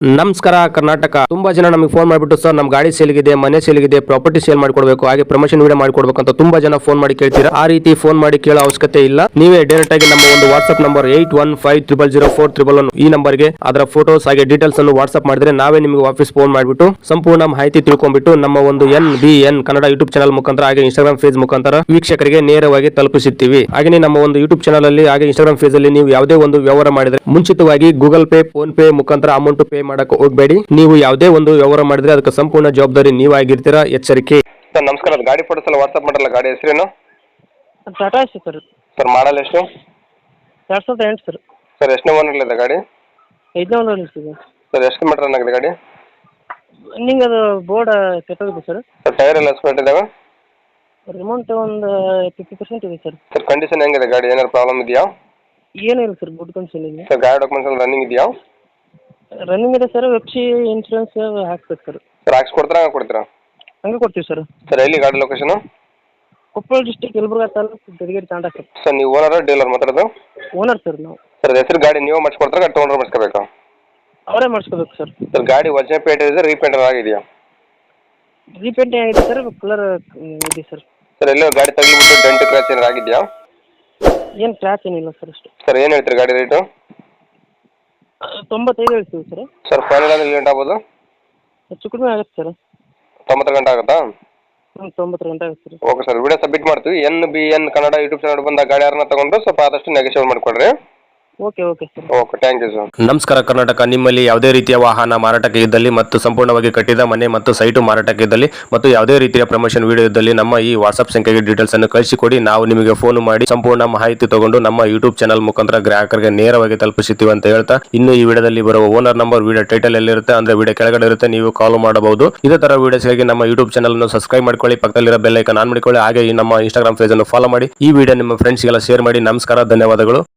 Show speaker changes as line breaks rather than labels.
ನಮಸ್ಕಾರ ಕರ್ನಾಟಕ. ತುಂಬಾ ಜನ ನಮಗೆ ಫೋನ್ ಮಾಡಿಬಿಟ್ಟು ಸರ್ ನಮ್ಮ ಗಾಡಿ ಸೇಲ್ಗಿದೆ, ಮನೆ ಸೇಲ್ಗಿದೆ, ಪ್ರಾಪರ್ಟಿ ಸೇಲ್ ಮಾಡ್ಕೊಡ್ಬೇಕು, ಹಾಗೆ ಪ್ರಮೋಷನ್ ವಿಡಿಯೋ ಮಾಡ್ಕೊಡ್ಬೇಕು ಅಂತ ತುಂಬಾ ಜನ ಫೋನ್ ಮಾಡಿ ಕೇಳ್ತೀರಾ. ಆ ರೀತಿ ಫೋನ್ ಮಾಡಿ ಕೇಳೋ ಅವಶ್ಯಕತೆ ಇಲ್ಲ. ನೀವೇ ಡೈರೆಕ್ಟ್ ಆಗಿ ನಮ್ಮ ಒಂದು ವಾಟ್ಸ್ಆಪ್ ನಂಬರ್ 81500411 ಈ ನಂಬರ್ಗೆ ಅದರ ಫೋಟೋಸ್ ಹಾಗೆ ಡೀಟೇಲ್ಸ್ ಅನ್ನು ವಾಟ್ಸ್ಆಪ್ ಮಾಡಿದ್ರೆ ನಾವೇ ನಿಮಗೆ ವಾಪಸ್ ಫೋನ್ ಮಾಡಿಬಿಟ್ಟು ಸಂಪೂರ್ಣ ಮಾಹಿತಿ ತಿಳ್ಕೊಂಡ್ಬಿಟ್ಟು ನಮ್ಮ ಒಂದು NBN ಕನ್ನಡ ಯೂಟ್ಯೂಬ್ ಚಾನಲ್ ಮುಖಾಂತರ ಹಾಗೆ ಇನ್ಸ್ಟಾಗ್ರಾಮ್ ಪೇಜ್ ಮುಖಾಂತರ ವೀಕ್ಷಕರಿಗೆ ನೇರವಾಗಿ ತಲುಪಿಸುತ್ತೀವಿ. ಹಾಗೆ ನಮ್ಮ ಒಂದು ಯೂಟ್ಯೂಬ್ ಚಾನಲ್ ಅಲ್ಲಿ ಹಾಗೆ ಇನ್ಸ್ಟಾಗ್ರಾಮ್ ಪೇಜ್ ಅಲ್ಲಿ ನೀವು ಯಾವುದೇ ಒಂದು ವ್ಯವಹಾರ ಮಾಡಿದ್ರೆ ಮುಂಚಿತವಾಗಿ ಗೂಗಲ್ ಪೇ, ಫೋನ್ ಪೇ ಮುಖಾಂತರ ಅಮೌಂಟ್ ಪೇ ಮಾಡಕ್ಕೆ ಹೋಗಬೇಡಿ. ನೀವು ಯಾವುದೇ ಒಂದು ವ್ಯವಹಾರ ಮಾಡಿದ್ರೆ ಅದಕ್ಕೆ ಸಂಪೂರ್ಣ ಜವಾಬ್ದಾರಿ ನೀವಾಗಿರ್ತೀರಾ, ಎಚ್ಚರಿಕೆ.
ಸರ್ ನಮಸ್ಕಾರ, ಗಾಡಿ ಫೋಟೋಸ್ ಎಲ್ಲ ವಾಟ್ಸ್ಆಪ್ ಮಾಡಲ್ಲ. ಗಾಡಿ ಹೆಸರೇನು
Tata Ace sir.
Sir model ಎಷ್ಟು?
2008 ಸರ್.
ಸರ್ ಎಷ್ಟನೇ ಓನರ್ ಇದೆ ಗಾಡಿ?
5ನೇ ಓನರ್ ಇದೆ
ಸರ್ ಎಷ್ಟು ಮೀಟರ್ ರನ್ ಆಗಿದೆ ಗಾಡಿ?
ರನ್ನಿಂಗ್ ಅದು ಬೋರ್ಡ್ ಕೆಟ್ಟೋಗಿದೆ ಸರ್.
ಸರ್ ಟೈರ್ ಎಲ್ಲ ಸ್ಪೇಟ್ ಇದಾವೆ?
ರಿಮೌಂಟ್ ಒಂದು 50% ಇದೆ ಸರ್.
ಸರ್ ಕಂಡೀಷನ್ ಹೆಂಗಿದೆ ಗಾಡಿ? ಏನಾದ್ರು ಪ್ರಾಬ್ಲಮ್ ಇದೆಯಾ?
ಏನಿಲ್ಲ ಸರ್, ಗುಡ್ ಕಂಡೀಷನ್ ಇದೆ.
ಸರ್ ಗಾಡಿ ಡಾಕ್ಯುಮೆಂಟ್ಸ್ ಎಲ್ಲ ರನ್ನಿಂಗ್ ಇದೆಯಾ?
ರನ್ನಿಂಗ್ ಇದೆ ಸರ್. ವೆಬ್ಸಿ ಇನ್ಶೂರೆನ್ಸ್ ಹಾಕ್ಬೇಕು ಸರ್.
ಸರ್ ಹಾಕ್ಸ್ಕೊಡ್ತೀರಾ ಹಂಗೆ ಕೊಡ್ತೀರಾ?
ಹಂಗೆ ಕೊಡ್ತೀವಿ ಸರ್.
ಸರ್ ಎಲ್ಲಿ ಗಾಡಿ location?
Koppal district, Yelburga taluk, Gadigeri Tanda sir.
Sir ನೀವು ಓನರ್ ಡೀಲರ್ ಮಾತಾಡೋದು?
ಓನರ್ ಸರ್ ನಾವು.
ಸರ್ ಹೆಸರು ಗಾಡಿ ನೀವು ಮಾಡಿಸ್ಕೊಡ್ತಾರೆ, ಗಾಡಿ ತೊಗೊಂಡ್ರೆ ಮಾಡಿಸ್ಕೋಬೇಕಾ?
ಅವರೇ ಮಾಡಿಸ್ಕೋಬೇಕು ಸರ್.
ಸರ್ ಗಾಡಿ ಒರಿಜಿನಲ್ ಪೇಂಟ್ ಇದೆ, ರೀಪೇಂಟರ್ ಆಗಿದೆಯಾ?
ರೀಪೇಂಟ್ ಆಗಿದೆ ಸರ್, ಕಲರ್ ಇದೆ ಸರ್.
ಸರ್ ಎಲ್ಲೋ ಗಾಡಿ ತಗ್ಲಿಬಿಟ್ಟು ಡೆಂಟ್ ಕ್ರ್ಯಾಚ್ ಏನಾರು ಆಗಿದೆಯಾ?
ಏನು ಕ್ರ್ಯಾಚ್ ಏನಿಲ್ಲ ಸರ್. ಅಷ್ಟು.
ಸರ್ ಏನು ಹೇಳ್ತೀರಿ ಗಾಡಿ ರೇಟು?
95 ಹೇಳ್ತೀವಿ ಸರ್.
ಸರ್ ಫೈನಲ್ ಅಂದ್ರೆ ಗಂಟೆ ಆಗ್ಬೋದು?
ಹೆಚ್ಚು ಕಡಿಮೆ ಆಗುತ್ತೆ ಸರ್.
90 ಗಂಟೆ ಆಗುತ್ತಾ?
90 ಗಂಟೆ ಆಗುತ್ತೆ ಸರ್.
ಓಕೆ ಸರ್, ವಿಡಿಯೋ ಸಬ್ಮಿಟ್ ಮಾಡ್ತೀವಿ. NBN ಕನ್ನಡ ಯೂಟ್ಯೂಬ್ ಚಾನಲ್ ಬಂದ ಗಾಡಿ ಯಾರನ್ನ ತಗೊಂಡ್ರು ಸ್ವಲ್ಪ ಆದಷ್ಟು ನೆಗೋಷಿಯೇಟ್ ಮಾಡಿಕೊಡ್ರಿ.
Okay sir.
Okay, thank you sir.
ನಮಸ್ಕಾರ ಕರ್ನಾಟಕ. ನಿಮ್ಮಲ್ಲಿ ಯಾವುದೇ ರೀತಿಯ ವಾಹನ ಮಾರಾಟಕ್ಕೆ ಇದ್ದಲ್ಲಿ ಮತ್ತು ಸಂಪೂರ್ಣವಾಗಿ ಕಟ್ಟಿದ ಮನೆ ಮತ್ತು ಸೈಟು ಮಾರಾಟಕ್ಕೆ ಇದ್ದಲ್ಲಿ ಮತ್ತು ಯಾವುದೇ ರೀತಿಯ ಪ್ರಮೋಷನ್ ವಿಡಿಯೋ ಇದ್ದಲ್ಲಿ ನಮ್ಮ ಈ ವಾಟ್ಸ್ಆಪ್ ಸಂಖ್ಯೆಗೆ ಡೀಟೇಲ್ಸ್ ಅನ್ನು ಕಳಿಸಿಕೊಡಿ. ನಾವು ನಿಮಗೆ ಫೋನ್ ಮಾಡಿ ಸಂಪೂರ್ಣ ಮಾಹಿತಿ ತಗೊಂಡು ನಮ್ಮ ಯೂಟ್ಯೂಬ್ ಚಾನಲ್ ಮುಖಾಂತರ ಗ್ರಾಹಕರಿಗೆ ನೇರವಾಗಿ ತಲುಪಿಸುತ್ತೀವಿ ಅಂತ ಹೇಳ್ತಾ, ಇನ್ನು ಈ ವಿಡಿಯೋದಲ್ಲಿ ಬರುವ ಓನರ್ ನಂಬರ್ ವಿಡಿಯೋ ಟೈಟಲ್ ಎಲ್ಲಿರುತ್ತೆ ಅಂದ್ರೆ ವಿಡಿಯೋ ಕೆಳಗಡೆ ಇರುತ್ತೆ, ನೀವು ಕಾಲ್ ಮಾಡಬಹುದು. ಇದೇ ತರ ವಿಡಿಯೋಸ್ಗಾಗಿ ನಮ್ಮ ಯೂಟ್ಯೂಬ್ ಚಾನಲ್ ಅನ್ನು ಸಬ್ಸ್ಕ್ರೈಬ್ ಮಾಡ್ಕೊಳ್ಳಿ, ಪಕ್ಕದಲ್ಲಿರೋ ಬೆಲ್ ಐಕಾನ್ ಆನ್ ಮಾಡಿಕೊಳ್ಳಿ, ಹಾಗೆ ಈ ನಮ್ಮ ಇನ್ಸ್ಟಾಗ್ರಾಮ್ ಪೇಜ್ ಅನ್ನು ಫಾಲೋ ಮಾಡಿ. ಈ ವಿಡಿಯೋ ನಿಮ್ಮ ಫ್ರೆಂಡ್ಸ್ಗೆಲ್ಲ ಶೇರ್ ಮಾಡಿ. ನಮಸ್ಕಾರ, ಧನ್ಯವಾದಗಳು.